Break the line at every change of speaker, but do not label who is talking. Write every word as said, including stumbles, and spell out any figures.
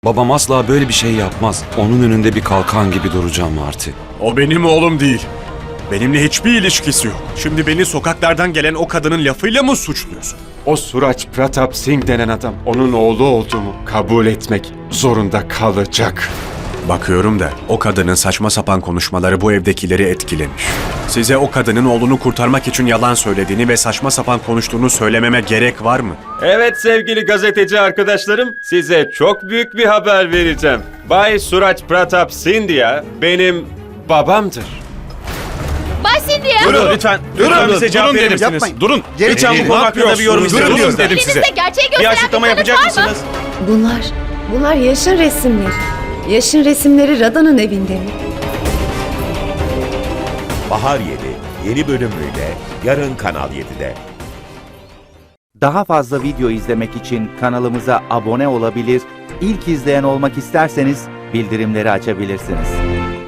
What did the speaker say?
Babam asla böyle bir şey yapmaz. Onun önünde bir kalkan gibi duracağım Marty.
O benim oğlum değil. Benimle hiçbir ilişkisi yok. Şimdi beni sokaklardan gelen o kadının lafıyla mı suçluyorsun?
O Suraj Pratap Singh denen adam onun oğlu olduğumu kabul etmek zorunda kalacak.
Bakıyorum da o kadının saçma sapan konuşmaları bu evdekileri etkilemiş. Size o kadının oğlunu kurtarmak için yalan söylediğini ve saçma sapan konuştuğunu söylememe gerek var mı?
Evet sevgili gazeteci arkadaşlarım, size çok büyük bir haber vereceğim. Bay Suraj Pratap Sindhya benim babamdır.
Bay Sindhya!
Durun lütfen.
Durun,
Lütfen bize cevap
durun
verir
dedim.
misiniz?
Yapmayın.
Durun.
Geri
Lütfen bu
çekilin.
konu hakkında bir yorum
Durun,
istiyorum.
durun dedim size.
Elinizde gerçeği
Bir
gösteren
açıklama
bir kanıt
yapacak
var mı?
mısınız?
Bunlar, bunlar Yaş'ın resimleri. Yaş'ın resimleri Rada'nın evinde mi?
Bahar Yedi yeni bölümüyle yarın Kanal yedide.
Daha fazla video izlemek için kanalımıza abone olabilir, ilk izleyen olmak isterseniz bildirimleri açabilirsiniz.